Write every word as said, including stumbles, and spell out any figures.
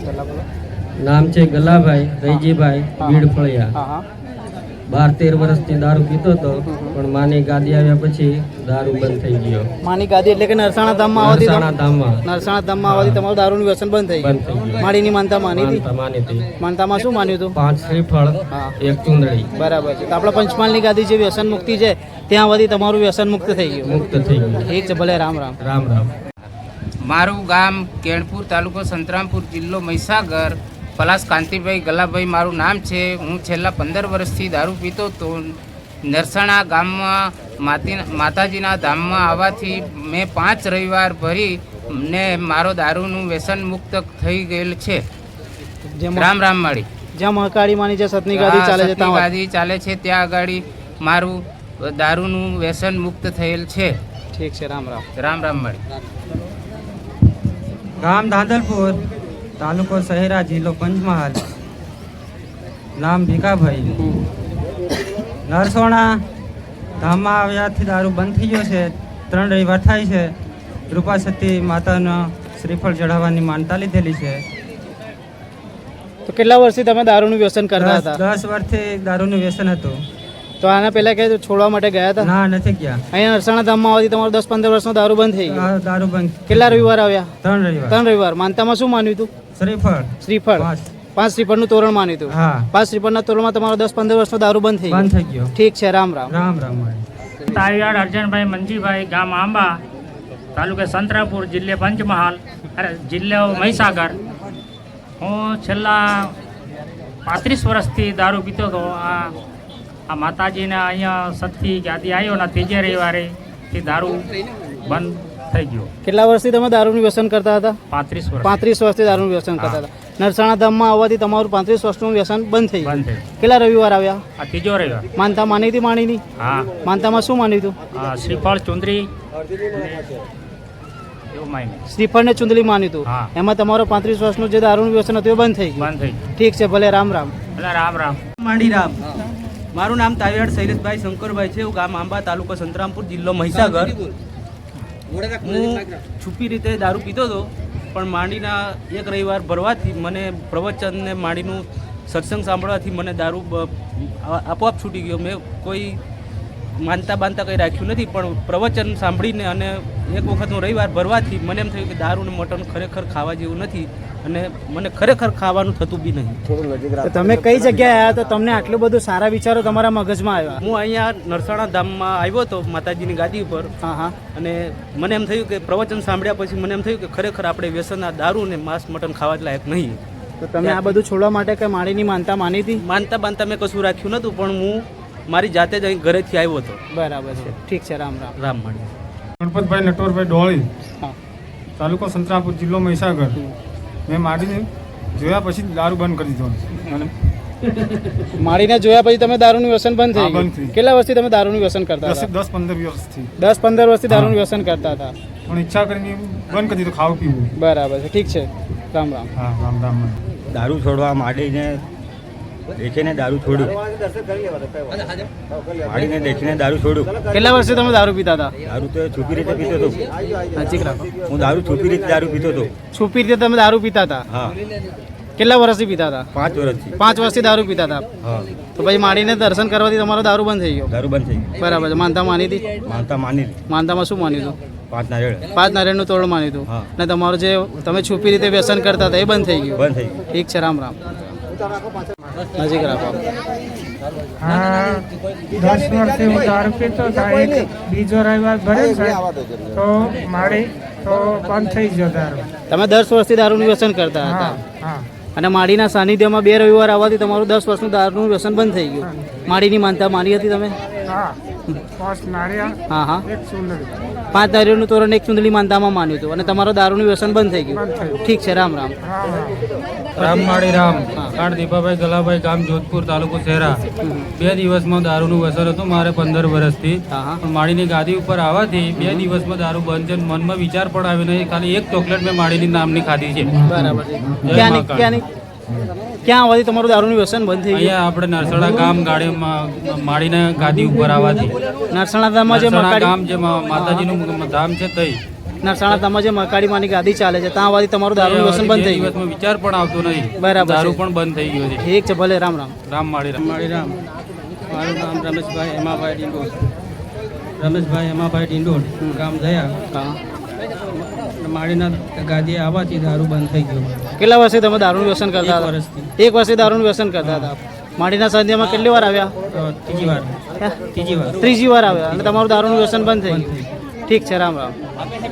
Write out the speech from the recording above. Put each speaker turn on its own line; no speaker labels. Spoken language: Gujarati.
નામ છે ગલાભાઈ રૈજીભાઈ બીડ ફળિયા। બાર તેર વર્ષથી દારૂ પીતો હતો, પણ માની ગાદી આવ્યા પછી દારૂ બંધ થઈ ગયો।
માની ગાદી એટલે કે નરસાણા ધામમાં આવતી
નરસાણા ધામમાં
નરસાણા ધામમાં આવતી તમારું દારૂનું વ્યસન બંધ થઈ
બંધ થઈ
ગયું।
ગયું।
માડીની માનતા માની હતી?
માનતા માની હતી।
માનતામાં શું માન્યું હતું?
પાંચ શ્રીફળ, એક ચુંદડી।
બરાબર છે। તો આપણા પંચમહાલની ગાદી જે વ્યસન મુક્તિ છે ત્યાં આવતી તમારું વ્યસન મુક્ત થઈ ગયું?
મુક્ત થઈ ગયું।
ઠીક છે, ભલે રામ રામ
રામ રામ।
મારું ગામ કેણપુર, તાલુકો સંતરામપુર, જિલ્લો મહીસાગર। પલાસ કાંતિભાઈ ગલાભાઈ મારું નામ છે। હું છેલ્લા પંદર વર્ષથી દારૂ પીતો તો નરસાણા ગામમાં માતી માતાજીના ધામમાં આવવાથી મેં પાંચ રવિવાર ભરી ને મારો દારૂનું વ્યસન મુક્ત થઈ ગયેલ છે। રામ રામ માળી
જ્યાં મહાકાળી માની જે સતની ગાદી ચાલે છે ત્યાં
ગાદી ચાલે છે ત્યાં આગળ મારું દારૂનું વ્યસન મુક્ત થયેલ છે।
ઠીક છે, રામ રામ
રામ રામ માળી।
ગામ ધાંધલપુર, તાલુકો શહેરા, જિલ્લો પંચમહાલ। નામ ભીખાભાઈ। નરસોણા ધામમાં આવ્યાથી દારૂ બંધ થઈ ગયો છે। ત્રણ રવિવાર થાય છે। રૂપા સતી માતાના શ્રીફળ ચઢાવવાની માનતા લીધેલી છે।
તો કેટલા વર્ષથી તમે દારૂનું વ્યસન કરતા હતા?
દસ વર્ષથી દારૂનું વ્યસન હતું।
તો આના પહેલા કે છોડવા માટે ગયા હતા?
ના, નથી ગયા।
અહીંયા નરસાણા ધામમાં આવતી તમારું દસ પંદર વર્ષનો દારૂ બંધ થઈ ગયો?
દારૂ બંધ।
કેટલા રવિવાર આવ્યા?
ત્રણ રવિવાર।
ત્રણ રવિવાર। માનતામાં શું માન્યું હતું?
શ્રીફળ
શ્રીફળ પાંચ શ્રીફળનું તોરણ માન્યું હતું?
હા।
પાંચ શ્રીફળના તોરણમાં તમારો દસ પંદર વર્ષનો દારૂ બંધ થઈ
બંધ થઈ ગયો।
ઠીક છે, રામ રામ
રામ રામ।
તાવીવાડ અર્જનભાઈ મંજીભાઈ, ગામ આંબા, તાલુકે સંતરાપુર, જિલ્લે પંચમહાલ, અરે જિલ્લો મહીસાગર। હું છેલ્લા પાંત્રીસ વર્ષથી દારૂ પીતો હતો। આ આ માતાજીને અહીંયા સતથી ગાદી આવ્યો ને ત્રીજે રવિવારે તે દારૂ બંધ થઈ ગયો।
કેટલા વર્ષથી તમે દારૂનું વ્યસન કરતા હતા?
પાંત્રીસ વર્ષ
પાંત્રીસ વર્ષથી દારૂનું વ્યસન કરતા હતા। નરસાણા ધામમાં આવવાથી તમારું પાંત્રીસ વર્ષનું વ્યસન બંધ થઈ ગયું?
બંધ થઈ
કેટલા રવિવાર આવ્યા?
આ ત્રીજો રવિવાર।
માનતા માની હતી? માણીની
હા।
માનતામાં શું માન્યું હતું?
આ શ્રીફળ ચુંદરી એવું માની
શ્રીફળ ને ચુંદડી માન્યું હતું?
હા।
એમાં તમારો પાંત્રીસ વર્ષનું જે દારૂનું વ્યસન હતું એ બંધ થઈ ગયું?
બંધ થઈ ગયું।
ઠીક છે, ભલે રામ રામ
એટલે રામ રામ।
માંડી રામ। મારું નામ તાવીવાડ શૈલેષભાઈ શંકરભાઈ છે। હું ગામ આંબા, તાલુકો સંતરામપુર, જિલ્લો મહીસાગર। હું છુપી રીતે દારૂ પીતો હતો, પણ માંડીના એક રવિવાર ભરવાથી મને પ્રવચન ને માંડીનું સત્સંગ સાંભળવાથી મને દારૂ આપોઆપ છૂટી ગયો। મેં કોઈ માનતા બાંધતા કંઈ રાખ્યું નથી, પણ પ્રવચન સાંભળીને અને એક વખતનો રવિવાર ભરવાથી મને એમ થયું કે દારૂ ને મટન ખરેખર ખાવા જેવું નથી અને મને ખરેખર ખાવાનું થતું બી નહીં।
તો તમે કઈ જગ્યાએ આવ્યા તો તમને આટલું બધું સારા વિચારો તમારા મગજમાં આવ્યા?
હું અહીંયા નરસાણા ધામમાં આવ્યો હતો, માતાજીની ગાદી ઉપર।
હા હા
અને મને એમ થયું કે પ્રવચન સાંભળ્યા પછી મને એમ થયું કે ખરેખર આપણે વ્યસનના દારૂ ને માંસ મટન ખાવા લાયક નહીં।
તો તમે આ બધું છોડવા માટે કઈ માળીની માનતા માની હતી?
માનતા બાંધતા મેં કશું રાખ્યું નહોતું, પણ હું મારી જાતે જ અહીં ઘરેથી આવ્યો હતો।
બરાબર છે, ઠીક છે, રામ રામ
રામ માણી।
ગણપતભાઈ નટવરભાઈ ડોળી,
હા।
તાલુકો સંતરામપુર, જિલ્લો મહીસાગર। મેં માડીને જોયા પછી દારૂ બંધ કરી દીધો। અને
માળીને જોયા પછી તમે દારૂનું વ્યસન બંધ થઈ
હા, બંધ
ગયું?
થઈ.
કેટલા વર્ષથી તમે દારૂનું વ્યસન કરતા
દસ
હતા?
દસ પંદર વર્ષથી
દસ પંદર વર્ષથી દારૂનું વ્યસન કરતા હતા,
પણ ઈચ્છા કરીને બંધ કરી દીધું ખાવું પીવું।
બરાબર છે, ઠીક છે, રામ રામ।
હા, રામ રામ।
દારૂ છોડવા માંડીને દેખીને દારૂ છોડ્યું માંડીને દેખીને દારૂ છોડ્યું।
કેટલા વર્ષથી તમે દારૂ પીતા હતા?
દારૂ તો છુપી રીતે પીતો હતો।
નજીક રાખો।
હું દારૂ છુપી રીતે દારૂ પીતો હતો।
છુપી રીતે તમે દારૂ પીતા હતા?
હા,
કેટલા વર્ષથી પીતા હતા?
પાંચ વર્ષથી।
પાંચ વર્ષથી દારૂ પીતા હતા?
હા,
તો પછી માળીને દર્શન કરવાથી તમારો દારૂ બંધ થઈ ગયો?
દારૂ બંધ થઈ ગયું।
બરાબર છે, માનતા માની હતી?
માનતા માની
માનતામાં શું માન્યું હતું?
પાંચ નારિયેળ
પાંચ નારિયેળનું તોરણ માન્યું હતું?
હા।
અને તમારું જે તમે છુપી રીતે વ્યસન કરતા હતા એ બંધ થઈ ગયું?
બંધ થઈ ગયું।
ઠીક છે, રામ રામ। નજીક રાખો।
હા, દસ વર્ષથી હું દારૂ પીતો હતો। એક બીજો રવિવાર ભરે છે તો મારી તો બંધ થઈ ગયો દારૂ।
તમે દસ વર્ષથી દારૂનું વ્યસન કરતા હતા?
હા હા
અને માળીના સાનિધ્યમાં બે રવિવાર આવવાથી તમારું દસ વર્ષનું દારૂનું વ્યસન બંધ થઈ ગયું? માળીની માનતા માની હતી તમે?
હા, પાંચ નારિયેળ,
હા હા,
એક ચૂંદડી।
પાંચ નારિયેળનું તોરણ એક ચૂંદડી માનતામાં માન્યું હતું અને તમારું દારૂનું વ્યસન બંધ થઈ ગયું? ઠીક છે, રામ રામ।
રામ રામ।
રામ માળી રામ। કાળ દીપાભાઈ ગલાભાઈ, ગામ જોધપુર, તાલુકો શહેરા। બે દિવસમાં દારૂનું વ્યસન હતું મારે પંદર વર્ષથી,
હા હા,
પણ માળીની ગાદી ઉપર આવવાથી બે દિવસમાં દારૂ બંધ છે। મનમાં વિચાર પણ આવ્યો નહીં, ખાલી એક ચોકલેટ મેં માળીની નામની ખાધી છે।
બરાબર છે। ક્યાંની ક્યાંની ક્યાં આવવાથી તમારું દારૂનું વ્યસન બંધ થઈ ગયું?
અહીંયા આપણે નરસણા ગામ ગાડીમાં માળીના ગાદી ઉપર આવવાથી
નરસાણા ધામમાં જે
નરસણા
મકાડી
ગામ જે મા- માતાજીનું ધામ છે તઈ
નરસાણા તમે જે મકાડી માની ગાદી ચાલે છે ત્યાં આવવાથી તમારું દારૂનું વ્યસન બંધ થઈ ગયું
વિચાર પણ આવતો નહીં
બરાબર છે.
પણ બંધ થઈ ગયો છે
ઠીક છે ભલે રામ રામ
રામ માળી રામ
મારી રામ મારું નામ રમેશભાઈ હેમાભાઈ ડિંડોળ રમેશભાઈ હેમાભાઈ ડિંડોળ ગામ દયા
હા
માળીના ગાદીએ આવવાથી દારૂ બંધ થઈ ગયો
કેટલા વર્ષથી તમે દારૂનું વ્યસન કરતા
એક
હતા
વર્ષથી.
એક વર્ષથી દારૂનું વ્યસન કરતા હતા માડીના સંધ્યામાં કેટલી વાર આવ્યા
તો ત્રીજી વાર
હે?
ત્રીજી વાર
ત્રીજી વાર આવ્યા અને તમારું દારૂનું વ્યસન બંધ થઈ ગયું ઠીક છે રામ રામ